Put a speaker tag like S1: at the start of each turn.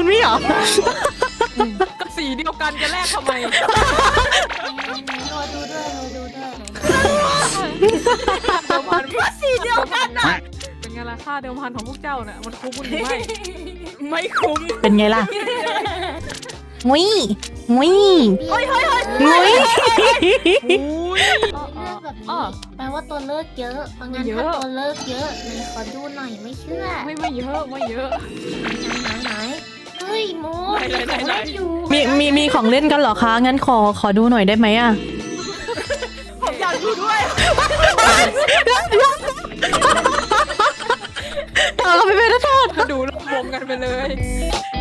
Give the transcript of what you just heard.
S1: นี่เหรอ
S2: ก็สีเดียวกันจะแลกทำไม
S3: รอดูด้วยรอดูด้วย
S2: เดิมพัน
S3: ก็สีเดียวกันนะ
S2: เป็นไงล่ะค่าเดิมพันของพวกเจ้าเนี่ยมันคุ้มหรือไม่
S3: ไม่คุ้ม
S1: เป็นไงล่ะงุ้ยงุ้ย
S3: เฮ้ยเฮ้ยเฮ้ย
S1: งุ้ย
S2: อุ้ย
S3: เลือกแบบนี้แปลว่าตัวเลือกเยอะเพราะงั้นถ้าตัวเลือกเยอะไหนขอดูหน่อยไม่เชื่อ
S2: ไม่เยอะไม่เยอะ
S3: ไหนเฮ้ยโม
S2: ไหน
S3: อยู่
S1: มีของเล่นกันเหรอคะงั้นขอดูหน่อยได้ไหมอ่ะ
S3: ผมอยากดูด้วย
S1: เอาไปเป็นโทษ
S2: ดูแล้วรวมกันไปเลย